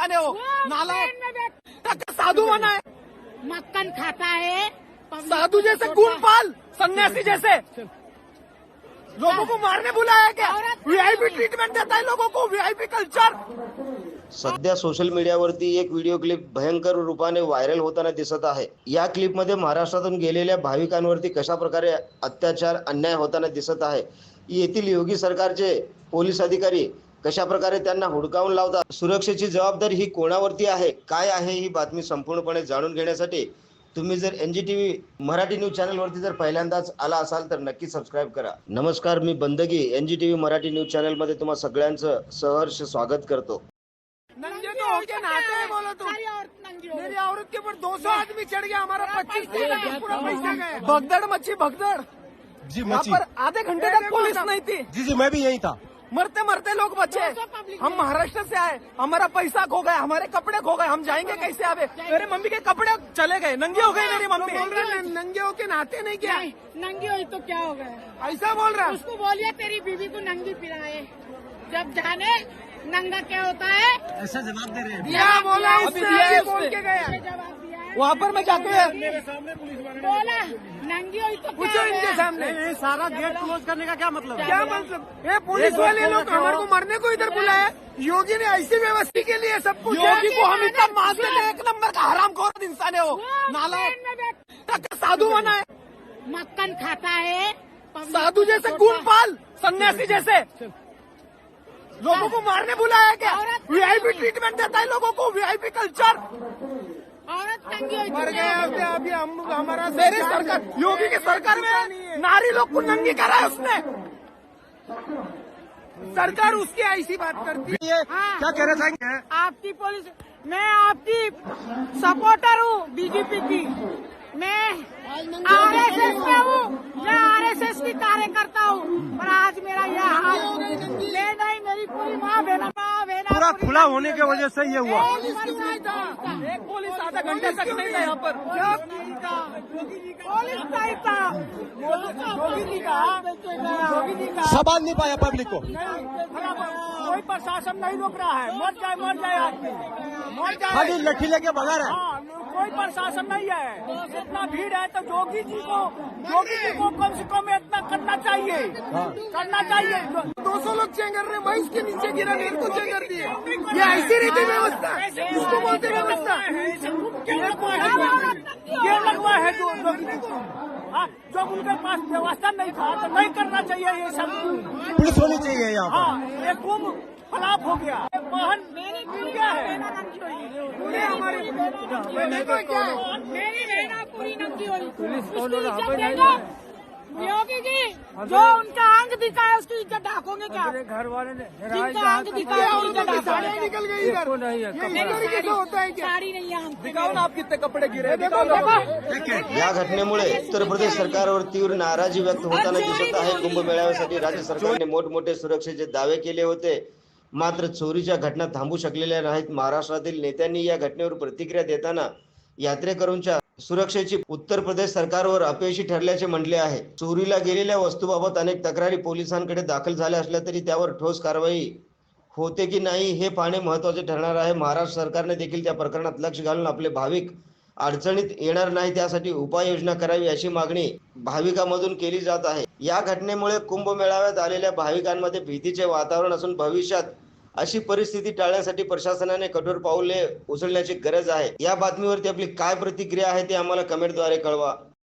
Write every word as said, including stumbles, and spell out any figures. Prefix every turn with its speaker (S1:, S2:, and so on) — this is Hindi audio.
S1: इंसान है, वो नालायक साधु बना है,
S2: मक्खन खाता है,
S1: साधु जैसे गुणपाल सन्यासी जैसे लोगों को मारने बुलाया क्या? वीआईपी ट्रीटमेंट देता है लोगों को, वीआईपी कल्चर।
S3: सध्या सोशल मीडियावरती एक व्हिडिओ क्लिप भयंकर रूपाने व्हायरल होताना दिसत आहे। या क्लिपमध्ये महाराष्ट्रातून गेलेल्या भाविकांवरती कशा प्रकारे अत्याचार अन्याय होताना दिसत आहे। येथील योगी सरकारचे पोलीस अधिकारी कशा प्रकारे त्यांना हुडकावून लावतात, सुरक्षेची जबाबदारी ही कोणावरती आहे, काय आहे ही बातमी संपूर्णपणे जाणून घेण्यासाठी तुम्ही जर एनजीटीव्ही मराठी न्यूज चॅनलवरती जर पहिल्यांदाच आला असाल तर नक्की सबस्क्राइब करा। नमस्कार, मी बंदगी एनजीटीव्ही मराठी न्यूज चॅनल मध्ये तुम्हा सगळ्यांचं सहर्ष स्वागत करतो।
S1: नंगे तो होके नाते हैं बोलो तुम। मेरी औरत के ऊपर दो सौ आदमी चढ़ गया, हमारा पच्चीस पूरा पैसा गया। भगदड़ मची भगदड़
S4: जी
S1: यहाँ
S4: मची।
S1: पर आधे घंटे तक पुलिस नहीं थी।
S4: जी जी मैं भी यही था।
S1: मरते मरते लोग बचे। हम महाराष्ट्र से आए, हमारा पैसा खो गया, हमारे कपड़े खो गए, हम जाएंगे कैसे? आवे मेरे मम्मी के कपड़े चले गए, नंगे हो गए मेरी मम्मी। बोल रहे नंगे होके नहाते नहीं क्या?
S2: नंगी हुई तो क्या हो गया?
S1: ऐसा बोल रहा है।
S2: उसको बोलिए तेरी बीवी को नंगी पिलाए, जब जाने नंगा क्या होता है।
S4: ऐसा जवाब दे रहे हैं।
S1: क्या बोला?
S2: अभी
S1: उसने
S2: दिया
S1: बोल के गया।
S2: जवाब दिया है।
S1: वहाँ पर मैं जाके
S2: बोला नंगी हुई तो
S1: पूछो
S2: क्या हो
S1: इनके
S2: गया?
S1: सामने।
S4: सारा गेट क्लोज करने का क्या मतलब है?
S1: क्या मतलब? ये पुलिस वाले लोग हमारे को मरने को इधर बुलाया। योगी ने ऐसी व्यवस्था के लिए सब कुछ। योगी को हम इतना मान देते हैं, एक नंबर का हरामखोर इंसान है, वो नालायक साधु बना है,
S2: मक्खन खाता है,
S1: साधु जैसे गुणपाल सन्यासी जैसे लोगों को मारने बुलाया क्या? वीआईपी ट्रीटमेंट देता है लोगों को, वीआईपी कल्चर।
S2: औरत नंगी हुई तो
S1: मर
S2: क्या हो
S1: गए
S2: गया?
S1: अभी हम हमारा मेरी सरकार, योगी की सरकार में नारी लोग को नंगी करा है उसने। सरकार उसकी ऐसी बात करती है।
S2: हाँ।
S4: क्या कहना चाहेंगे?
S2: आपकी पुलिस, मैं आपकी सपोर्टर हूँ बीजेपी की। मैं आरएसएस में हूँ, मैं आरएसएस की कार्यकर्ता हूँ, पर आज मेरा यह हाल ले नहीं, मेरी पूरी माँ बहना माँ बहना
S4: पूरा खुला होने की वजह से ये हुआ।
S1: एक पुलिस आधा घंटे तक नहीं था यहाँ पर।
S2: पुलिस नहीं था, योगी जी का योगी जी का
S4: संभाल नहीं पाया पब्लिक को।
S1: कोई प्रशासन नहीं रोक रहा है। मर जाए मर जाए आदमी, मर जाए।
S4: खाली लठी लेके भगा रहा है।
S1: हाँ, कोई प्रशासन नहीं है। इतना भीड़ है तो योगी जी को योगी जी को कम से कम इतना करना चाहिए, करना चाहिए। दो सौ लोग चेंगर रहे, मैं इसके नीचे गिरा, मेरे को चेंगर दिए। ये ऐसी रीति व्यवस्था, इसको बोलते व्यवस्था। ये लगवा है जो हाँ, जब उनके पास व्यवस्था नहीं था तो नहीं करना चाहिए ये सब।
S4: पुलिस होनी चाहिए यहाँ पर।
S1: हाँ, ये कुंभ खराब हो गया। वाहन क्या है? पूरे हमारे
S2: मेरी बहना पूरी नंगी हुई, उसकी इज्जत देगा योगी जी। जो उनका अंग दिखा है उसकी इज्जत ढाकोगे क्या?
S1: घर वाले ने
S2: जिनका अंग दिखा है उसकी इज्जत ढाकोगे?
S1: निकल गई इधर। ये तरीके से होता है क्या?
S2: साड़ी नहीं है,
S1: दिखाओ ना आप कितने कपड़े गिरे, दिखाओ ना।
S3: या घटनेमुळे उत्तर प्रदेश सरकारवर तीव्र नाराजी व्यक्त होताना दिसत आहे। कुंभमेळ्यासाठी राज्य सरकारने मोठमोठे सुरक्षेचे दावे केले होते, मात्र चोरीच्या घटना थांबू शकलेल्या नाहीत। महाराष्ट्रातील नेत्यांनी या घटनेवर प्रतिक्रिया देताना यात्रेकरूंच्या सुरक्षेची उत्तर प्रदेश सरकारवर अपयशी ठरल्याचे म्हटले आहे। चोरीला गेलेल्या वस्तूबाबत अनेक तक्रारी पोलिसांकडे दाखल झाल्या असल्या तरी त्यावर ठोस कारवाई होते की नाही हे पाहणे महत्त्वाचे ठरणार आहे। महाराष्ट्र सरकारने देखील त्या प्रकरणात लक्ष घालून आपले भाविक अडचणीत येणार नाही त्यासाठी उपाययोजना करावी अशी मागणी भाविकांमधून केली जात आहे। या घटनेमुळे कुंभमेळाव्यात आलेल्या भाविकांमध्ये भीतीचे वातावरण असून भविष्यात अशी परिस्थिती टाळण्यासाठी प्रशासनाने कठोर पाऊले उचलण्याची गरज आहे। या बातमीवरती आपली काय प्रतिक्रिया आहे ते आम्हाला कमेंटद्वारे कळवा।